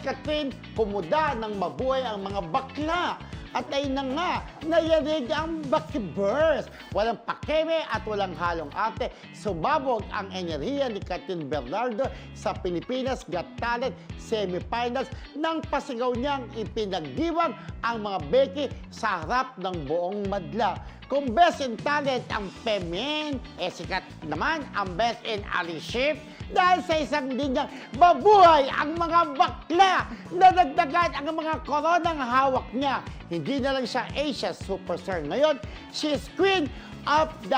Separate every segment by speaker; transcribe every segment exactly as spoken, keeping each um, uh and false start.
Speaker 1: Catherine, kumuda ng mabuhay ang mga bakla. At ay na nga, nayarig ang Buckyverse. Walang pakeme at walang halong arte. Sumabog ang enerhiya ni Catherine Bernardo sa Pilipinas Got Talent semifinals nang pasigaw niyang ipinagdiwang ang mga Becky sa harap ng buong madla. Kung best in talent ang Femin, eh sikat naman ang best in allyship dahil sa isang linyang mabuhay ang mga bakla na nagdagan ang mga koronang hawak niya. Hindi na lang siya Asia superstar ngayon, she is queen of the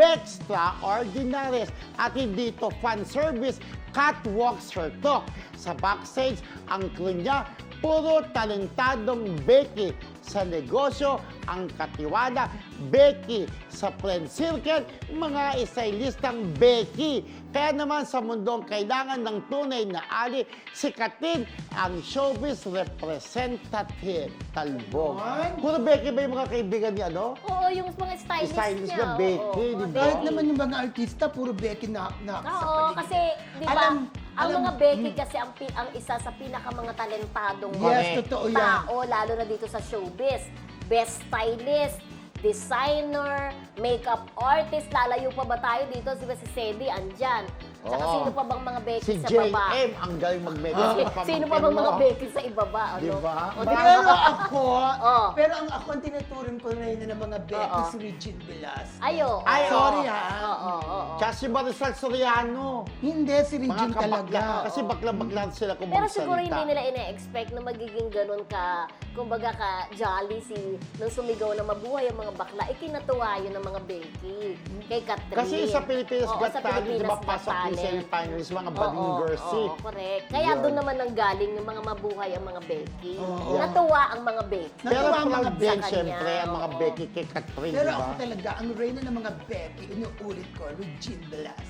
Speaker 1: Bextraordinaries at hindi ito fan service, catwalks her talk. Sa backstage, ang crew niya, puro talentadong Becky. Sa negosyo, ang katiwala, Becky. Sa friend circle, mga stylistang Becky. Kaya naman sa mundong kailangan ng tunay na ali, si Catherine ang showbiz representative. Talbog.
Speaker 2: What?
Speaker 1: Puro Becky ba yung mga kaibigan ni ano?
Speaker 3: Oo, yung mga stylist,
Speaker 1: Stylist
Speaker 3: niya.
Speaker 1: na Becky,
Speaker 3: oo,
Speaker 1: di
Speaker 3: oo,
Speaker 1: ba?
Speaker 2: Kahit naman yung mga artista, puro Becky na, na sa
Speaker 3: Oo,
Speaker 2: paligid.
Speaker 3: kasi, di ba,
Speaker 2: Alam-
Speaker 3: ang
Speaker 2: alam-
Speaker 3: mga Becky
Speaker 2: Hmm.
Speaker 3: kasi ang, pi- ang isa sa pinaka mga talentadong
Speaker 2: Yes,
Speaker 1: Correct.
Speaker 2: totoo yan.
Speaker 3: tao, lalo na dito sa showbiz. Best stylist, designer, makeup artist, lalayo pa ba tayo dito? Si si Sedi, andyan. Tsaka
Speaker 1: Oo.
Speaker 3: sino pa bang mga Becky
Speaker 1: Si
Speaker 3: sa
Speaker 1: J
Speaker 3: baba?
Speaker 1: M, ang galing mag-makeup.
Speaker 3: Si- sino pa bang mga Becky sa ibaba? Ano?
Speaker 1: Di ba?
Speaker 3: O, di ba?
Speaker 2: Pero ako,
Speaker 3: Oo.
Speaker 2: pero ang ako ang tinuturing ko na yun ng mga Becky,
Speaker 3: Oo.
Speaker 2: si Regine Velasquez.
Speaker 3: Ayo.
Speaker 1: Ay, oo.
Speaker 2: Sorry ha.
Speaker 3: Oo, oo, oo.
Speaker 1: Tsaka si Marisol Soriano.
Speaker 2: Hindi, si
Speaker 1: Mga
Speaker 2: Regine talaga.
Speaker 1: kabakla. Kasi bakla-bakla sila kung
Speaker 3: Pero
Speaker 1: magsalita.
Speaker 3: siguro hindi nila ina-expect na magiging ganun ka, kumbaga ka jolly si, nung sumigaw na mabuhay ang mga bakla, ikinatuwa yun ng mga Becky kay Catherine.
Speaker 1: Kasi sa Pilipinas
Speaker 3: Oo,
Speaker 1: Got
Speaker 3: sa
Speaker 1: Talent, di ba,
Speaker 3: Pilipinas Got
Speaker 1: pasok yung
Speaker 3: Talent.
Speaker 1: semifinals, mga
Speaker 3: Oo,
Speaker 1: bading girls
Speaker 3: oo,
Speaker 1: eh.
Speaker 3: correct. Kaya
Speaker 1: Yun.
Speaker 3: doon naman nanggaling yung mga mabuhay ang mga Becky.
Speaker 2: Oo.
Speaker 3: Natuwa ang mga Becky.
Speaker 1: Pero
Speaker 2: Natuwa ang mga
Speaker 1: proud din,
Speaker 3: Becky.
Speaker 1: syempre, ang mga
Speaker 3: Oo.
Speaker 1: Becky kay Catherine,
Speaker 2: Pero
Speaker 1: di
Speaker 2: ako
Speaker 1: ba?
Speaker 2: talaga, ang reyna ng mga Becky, inuulit ko, Regine Velasquez.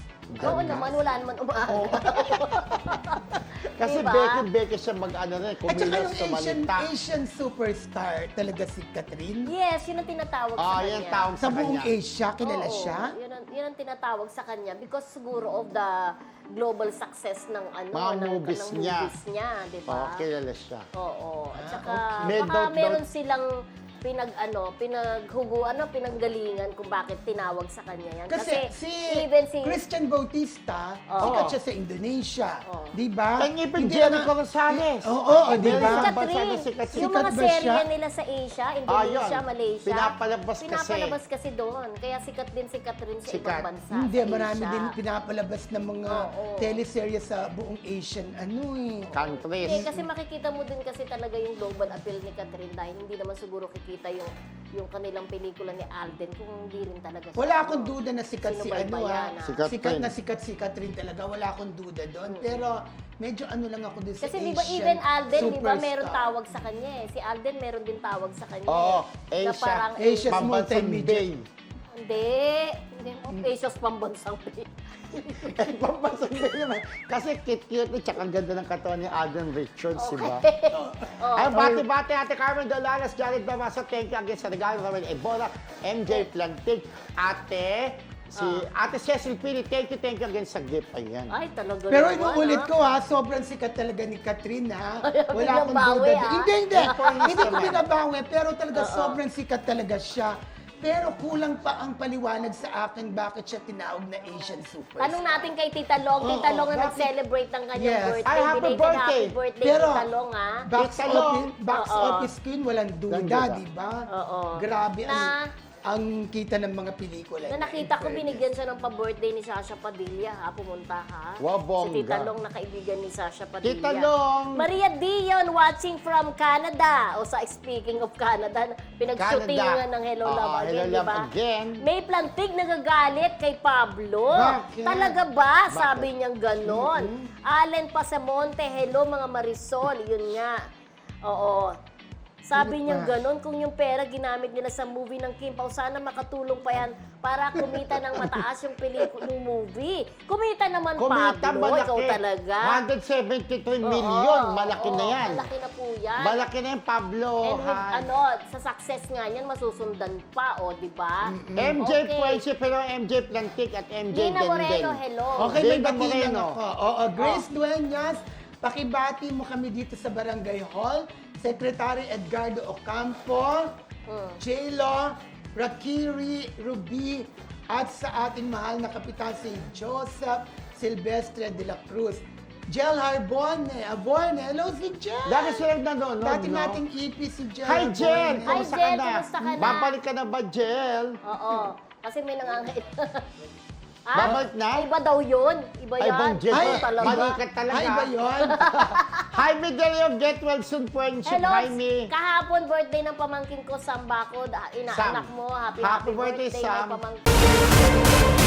Speaker 3: Oo
Speaker 1: Ganda.
Speaker 3: naman, wala naman umaano.
Speaker 1: Kasi
Speaker 3: Diba?
Speaker 1: Becky, Becky siya mag-ano rin,
Speaker 2: At saka
Speaker 1: kumilos,
Speaker 2: yung Asian,
Speaker 1: sumalita.
Speaker 2: Asian superstar talaga si Catherine.
Speaker 3: Yes, yun ang tinatawag sa
Speaker 1: Ah,
Speaker 3: kanya.
Speaker 1: yan tawag
Speaker 2: Sa
Speaker 1: sa
Speaker 2: buong
Speaker 1: kanya.
Speaker 2: Asia, kilala
Speaker 3: Oo,
Speaker 2: siya.
Speaker 3: Yun ang, yun ang tinatawag sa kanya because siguro of the global success ng ano
Speaker 1: Mga
Speaker 3: ng,
Speaker 1: movies
Speaker 3: ng
Speaker 1: niya.
Speaker 3: movies niya, di ba?
Speaker 1: Oo, kilala siya.
Speaker 3: Oo. At
Speaker 2: Ah,
Speaker 3: saka
Speaker 1: okay. May
Speaker 3: baka
Speaker 1: doubt-
Speaker 3: meron
Speaker 1: doubt-
Speaker 3: silang pinag ano, pinaghugo ano, pinanggalingan kung bakit tinawag sa kanya yan.
Speaker 2: Kasi, si,
Speaker 3: even si
Speaker 2: Christian Bautista,
Speaker 3: Oo.
Speaker 2: sikat siya sa Indonesia.
Speaker 3: Oo.
Speaker 2: Di ba?
Speaker 1: Kanya ipin
Speaker 2: Hindi
Speaker 1: Jericho
Speaker 2: na-
Speaker 1: Rosales.
Speaker 2: Oo, oo, di
Speaker 1: Meron
Speaker 2: ba?
Speaker 1: isang
Speaker 3: si
Speaker 1: bansa na
Speaker 3: Catherine,
Speaker 1: sikat siya.
Speaker 3: yung
Speaker 2: Sikat
Speaker 3: mga
Speaker 2: ba
Speaker 3: serye
Speaker 2: siya?
Speaker 3: nila sa Asia, Indonesia,
Speaker 1: yun.
Speaker 3: Malaysia,
Speaker 1: Pinapalabas kasi.
Speaker 3: pinapalabas kasi doon. Kaya sikat din si Catherine sa
Speaker 1: Sikat.
Speaker 3: ibang bansa.
Speaker 2: Hindi,
Speaker 3: sa
Speaker 2: marami
Speaker 3: Asia.
Speaker 2: din pinapalabas ng mga
Speaker 3: Oo.
Speaker 2: teleserye sa buong Asian ano eh.
Speaker 1: Countries.
Speaker 3: Eh, kasi makikita mo din kasi talaga yung global appeal ni Catherine dahil hindi naman siguro kikita yung yung kanilang pelikula ni Alden kung hindi rin talaga siya.
Speaker 2: Wala akong duda na sikat si ano ah.
Speaker 3: Sinubaybayan, ah.
Speaker 1: Sikat
Speaker 2: Sikat
Speaker 1: din.
Speaker 2: na sikat si Catherine talaga. Wala akong duda doon. Pero medyo ano lang ako din sa
Speaker 3: Kasi
Speaker 2: Asian
Speaker 3: di ba even Alden, di ba meron
Speaker 2: superstar.
Speaker 3: tawag sa kanya eh. Si Alden meron din tawag sa kanya.
Speaker 1: Oo,
Speaker 3: eh. Na
Speaker 1: Asia.
Speaker 3: parang,
Speaker 2: Asia. Asia's
Speaker 1: Pambansang
Speaker 2: multimedia.
Speaker 1: Bay.
Speaker 3: Hindi. Hindi mo. Asia's pambansang Bay.
Speaker 1: Eh, Pambansang Bay naman. Kasi cute-cute at saka ang ganda ng katawan ni Alden Richards, di ba?
Speaker 3: Oh.
Speaker 1: Ay, bati-bati, Ate Carmen Dolalas, Jared Damasa, thank you again sa regalo, Ramel Ebola, M J Plantig, Ate, si Ate Cecil Pili, thank you, thank you again sa gift. Ayan.
Speaker 3: Ay, talaga
Speaker 2: Pero
Speaker 3: naman,
Speaker 2: inuulit
Speaker 3: ah.
Speaker 2: ko ha, sobrang sikat talaga ni Catherine ha.
Speaker 3: Ay,
Speaker 2: Wala
Speaker 3: biglang
Speaker 2: akong
Speaker 3: bawi,
Speaker 2: duda.
Speaker 3: ah.
Speaker 2: Hindi, hindi.
Speaker 1: Points
Speaker 2: Hindi ko
Speaker 1: naman.
Speaker 2: binabawi, pero talaga
Speaker 3: Oo.
Speaker 2: sobrang sikat talaga siya. Pero kulang pa ang paliwanag sa akin bakit siya tinawag na Asian superstar.
Speaker 3: Tanong natin kay Tita Long. Tita
Speaker 2: Oo,
Speaker 3: Long na
Speaker 2: bakit-
Speaker 3: nag-celebrate ng kanyang
Speaker 2: Yes.
Speaker 3: birthday.
Speaker 1: Ay, happy
Speaker 3: Belated
Speaker 1: birthday.
Speaker 3: happy birthday,
Speaker 2: Pero,
Speaker 3: Tita Long, ha?
Speaker 2: Box
Speaker 1: Tita Long.
Speaker 2: office, box
Speaker 3: Oo.
Speaker 2: office queen, walang duda,
Speaker 1: Walang duda.
Speaker 2: di ba?
Speaker 3: Oo.
Speaker 2: Grabe ang,
Speaker 3: Na-
Speaker 2: ang kita ng mga pelikula.
Speaker 3: Na
Speaker 2: niya,
Speaker 3: nakita ko,
Speaker 2: in
Speaker 3: binigyan siya ng pa-birthday ni Sasha Padilla, ha? Pumunta, ha?
Speaker 1: Wow, bongga.
Speaker 3: Si Tita Long na kaibigan ni Sasha Padilla.
Speaker 1: Tita Long.
Speaker 3: Maria Dion watching from Canada. O sa speaking of Canada, pinag-shootingan ng Hello
Speaker 1: Oo,
Speaker 3: Love Again,
Speaker 1: Hello
Speaker 3: di
Speaker 1: Love
Speaker 3: ba?
Speaker 1: Again.
Speaker 3: May plantig nagagalit kay Pablo.
Speaker 1: Bakit?
Speaker 3: Talaga ba?
Speaker 1: Bakit?
Speaker 3: Sabi niyang ganon. Allen Pasamonte, hello mga Marisol. Yun nga. Oo. Sabi
Speaker 2: Ano
Speaker 3: niyang
Speaker 2: pa?
Speaker 3: ganon, kung yung pera ginamit nila sa movie ng Kim Pao, sana makatulong pa yan para kumita ng mataas yung pelikula ng movie. Kumita naman,
Speaker 1: Kumita,
Speaker 3: Pablo.
Speaker 1: malaki.
Speaker 3: Ikaw talaga.
Speaker 1: one hundred seventy-three
Speaker 3: Oo,
Speaker 1: million. Malaki
Speaker 3: oo,
Speaker 1: na yan.
Speaker 3: Malaki na po yan.
Speaker 1: Malaki na yan, Pablo.
Speaker 3: And with,
Speaker 1: ha?
Speaker 3: ano, sa success nga niyan, masusundan pa, o, di ba?
Speaker 1: M J
Speaker 3: Okay.
Speaker 1: Puenci, pero M J Plantic at M J
Speaker 3: Gina Moreno,
Speaker 1: Denden.
Speaker 3: hello.
Speaker 2: Okay, may
Speaker 1: Gina
Speaker 2: bati lang
Speaker 1: Moreno.
Speaker 2: ako. Oo, Grace Dueñas, Pakibati mo kami dito sa Barangay Hall, Secretary Edgardo Ocampo, J-Lo, Rakiri, Ruby, at sa ating mahal na kapitan si Joseph Silvestre de la Cruz. Jel Harbone, Aborne, hello si Jel!
Speaker 1: Dati silang nanonood,
Speaker 2: Dati
Speaker 1: no?
Speaker 2: nating E P si Jel.
Speaker 1: Hi, Jen!
Speaker 2: Harbone.
Speaker 3: Hi,
Speaker 1: Kumusta
Speaker 3: Jen!
Speaker 1: ka na?
Speaker 3: Kumusta ka na?
Speaker 1: Babalik ka na ba, Jel?
Speaker 3: Oo. Kasi may nangangait.
Speaker 1: Babalik na?
Speaker 3: Iba daw yun. Iba
Speaker 1: Ay,
Speaker 3: yan.
Speaker 1: bang Jen,
Speaker 2: Ay,
Speaker 3: Iba talaga.
Speaker 1: mali ka talaga.
Speaker 2: Ay, ba yun?
Speaker 1: Jaime Delio, get well soon, friendship,
Speaker 3: Hello,
Speaker 1: Jaime.
Speaker 3: kahapon birthday ng pamangkin ko, Sam Bacod. Inaanak
Speaker 1: Sam.
Speaker 3: mo. Happy,
Speaker 1: Happy
Speaker 3: happy,
Speaker 1: birthday,
Speaker 3: birthday,
Speaker 1: Sam.
Speaker 3: my pamangkin.